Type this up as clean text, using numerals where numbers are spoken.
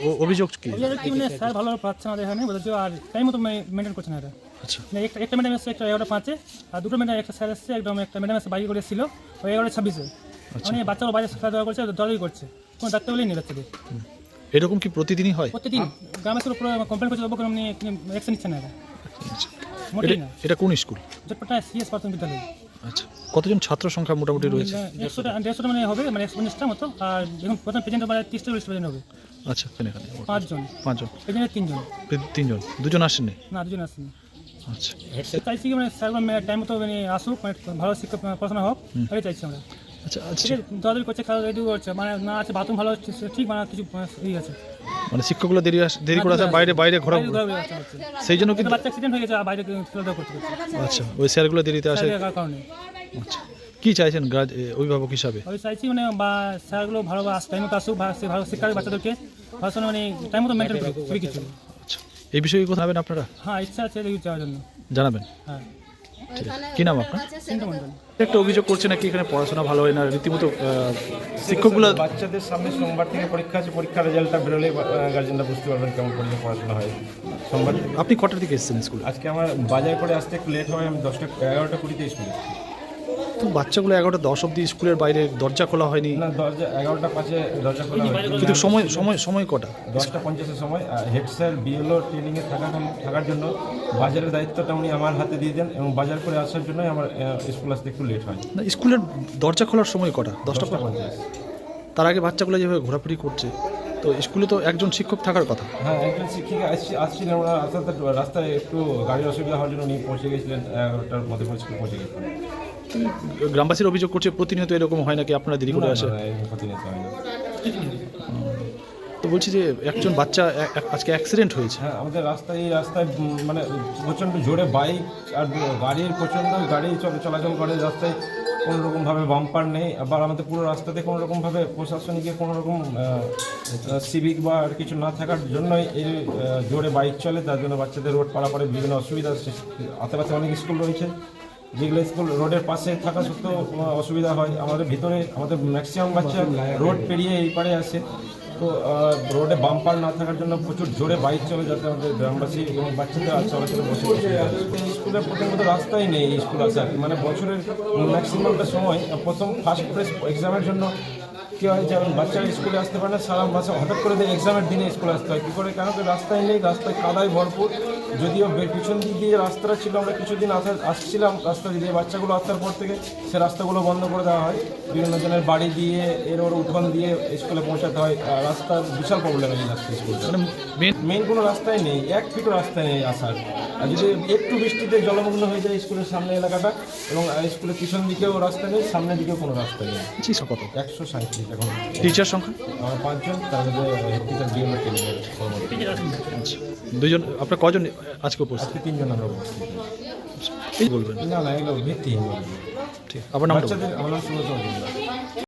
অভিযোগ কি? মানে স্যার ভালো পাচ্ছে না এখানে বলছে, আর টাইম মতো মেনটেন করছে না এটা। আচ্ছা, একটা ম্যাডাম এসছে একটা 11:05-এ, আর দুটো ম্যাডাম, একটা স্যার এসছে একদম, একটা ম্যাডাম এসে বাইরে করেছিল ওই 11:26-এ। মানে বাচ্চারা বাইরে খেলাধুলা করছে, দৌড়াদৌড়ি করছে, কোনো ডাক্তার বলেই নেই বাচ্চাদের। এরকম কি প্রতিদিনই হয়? প্রতিদিন গ্রামে পুরো কমপ্লেন করছে, তবু কোনো অ্যাকশন নিচ্ছে না এটা, আচ্ছা, মোটেই না। এটা কোন স্কুল? জটপাটা সিএস প্রাথমিক বিদ্যালয়। আচ্ছা, কতজন ছাত্র সংখ্যা মোটামুটি রয়েছে? 150টা মানে হবে, মানে 150টা মতো। আর এখন প্রথম প্রেজেন্ট মানে 30টা প্রেজেন্ট হবে। আচ্ছা, এখানে 5 জন, পাঁচজন, প্রেজেন্টে 3 জন। তিনজন, দুজন আসেননি? না, 2 জন আসেনি। আচ্ছা, চাইছি কি মানে স্যারগুলো টাইম মতো মানে আসুক, মানে ভালো শিক্ষা পড়াশোনা হোক, এটাই চাইছি আমরা। আচ্ছা, আচ্ছা, দৌড়াদৌড়ি করছে, খেলাধুলা করছে, মানে না আছে বাথরুম ভালো হচ্ছে ঠিক, মানে কিছু ই আছে, মানে শিক্ষকগুলো দেরি করে আসে, বাইরে ঘোরা, ঘোরাঘুরি হচ্ছে। সেই জন্য কিন্তু। বাচ্চা অ্যাক্সিডেন্ট হয়ে গেছে, আর বাইরে খেলাধুলা করতে করতে। আচ্ছা, ওই স্যারগুলো দেরিতে আসে। স্যারের কারণে আচ্ছা, কি চাইছেন অভিভাবক হিসাবে? আমি চাইছি মানে বা স্যারগুলো ভালো টাইম মতো আসুক, ভালো শিক্ষা বাচ্চাদেরকে পড়াশোনা মানে টাইম মতো মেনটেন করুক, খুবই কিছু। আচ্ছা, এই বিষয়ে কথা জানাবেন আপনারা? হ্যাঁ, ইচ্ছা আছে এদিকে যাওয়ার জন্য। জানাবেন। হ্যাঁ, ঠিক আছে, কি নাম আপনার? চিন্তা মন্ডল। একটা অভিযোগ করছে নাকি এখানে পড়াশোনা ভালো হয় না, রীতিমতো শিক্ষকগুলো। বাচ্চাদের সামনে সোমবার থেকে পরীক্ষা আছে, পরীক্ষার রেজাল্টটা বেরোলে গার্জেনরা বুঝতে পারবেন কেমন পড়াশোনা হয়। সোমবার আপনি কটার দিকে এসেছেন স্কুলে? আজকে আমার বাজার করে আসতে একটু লেট হয়, আমি 11:20 স্কুলে এসেছি। তো বাচ্চাগুলো 11:10 অবধি স্কুলের বাইরে, দরজা খোলা হয়নি? না, দরজা 11:05 দরজা খোলা হয়, কিন্তু সময় কটা? 10:50 সময়। হেড স্যার বিএলও ট্রেনিংয়ে থাকার জন্য বাজারের দায়িত্বটা উনি আমার হাতে দিয়ে দেন, এবং বাজার করে আসার জন্যই আমার স্কুল আসতে একটু লেট হয়। না, স্কুলের দরজা খোলার সময় কটা? 10:50। 10:50। তার আগে বাচ্চাগুলো যেভাবে ঘোরাফুরি করছে, তো স্কুলে তো একজন শিক্ষক থাকার কথা। হ্যাঁ, একজন শিক্ষিকা আসছিলেন, ওরা আস্তে রাস্তায় একটু গাড়ির অসুবিধা হওয়ার জন্য উনি পৌঁছে গেছিলেন, 11টার মধ্যে স্কুল পৌঁছে গেছিলেন। গ্রামবাসীর অভিযোগ করছে প্রতিনিয়ত এরকম হয় নাকি, আপনারা দেরি করে আসে? তো বলছি যে একজন বাচ্চা আজকে অ্যাক্সিডেন্ট হয়েছে। হ্যাঁ, আমাদের এই রাস্তায় মানে প্রচণ্ড জোরে বাইক আর গাড়ির প্রচণ্ড গাড়ি চলাচল করে রাস্তায়, কোনো রকমভাবে বাম্পার নেই। আবার আমাদের পুরো রাস্তাতে কোনো রকমভাবে প্রশাসনিকের কোনো রকম সিভিক বা আর কিছু না থাকার জন্যই এই জোরে বাইক চলে, তার জন্য বাচ্চাদের রোড পারাপারে বিভিন্ন অসুবিধা। আশেপাশে অনেক স্কুল রয়েছে, যেগুলো স্কুল রোডের পাশে থাকা সত্ত্বেও অসুবিধা হয়। আমাদের ভিতরে আমাদের ম্যাক্সিমাম বাচ্চা রোড পেরিয়ে এই পারে আসে, তো রোডে বাম্পার না থাকার জন্য প্রচুর জোরে বাইক চলে, যাতে আমাদের গ্রামবাসী এবং বাচ্চাদের চলাচলে বসে স্কুলের প্রথমত রাস্তাই নেই স্কুল আসার, মানে বছরের ম্যাক্সিমামটা সময় প্রথম ফার্স্ট প্রেস এক্সামের জন্য কী হয় যে বাচ্চারা স্কুলে আসতে পারে না, সারা মাসে হঠাৎ করে এক্সামের দিনে স্কুলে আসতে হয়। কী করে? কেন কি রাস্তায় নেই, রাস্তায় কাদায় ভরপুর। যদিও পিছন দিক দিয়ে রাস্তাটা ছিল, আমরা কিছুদিন আসছিলাম রাস্তা দিয়ে, বাচ্চাগুলো আসার পর থেকে সে রাস্তাগুলো বন্ধ করে দেওয়া হয়, বিভিন্ন জনের বাড়ি দিয়ে ওর উঠোন দিয়ে স্কুলে পৌঁছাতে হয়। রাস্তার বিশাল প্রবলেম এই রাস্তা, স্কুলটা মেন কোনো রাস্তায় নেই, 1 ফিটও রাস্তায় নেই আসার। আর যদি একটু বৃষ্টিতে জলমগ্ন হয়ে যায় স্কুলের সামনে এলাকাটা, এবং স্কুলের পিছন দিকেও রাস্তা নেই, সামনের দিকেও কোনো রাস্তা নেই। কত? 137 এখন টিচার সংখ্যা? 5 জন, তার মধ্যে হেড টিচার বিএলও ট্রেনিংয়ের। আচ্ছা, দুজন। আপনার কজন আজকে উপস্থিত? আজকে 3 জন আমরা উপস্থিত। এই বলবেন? না, এগুলো ভিত্তিহীন। ঠিক, আপনার নামটা? বাচ্চাদের আমার নাম সুব্রত মজুমদার।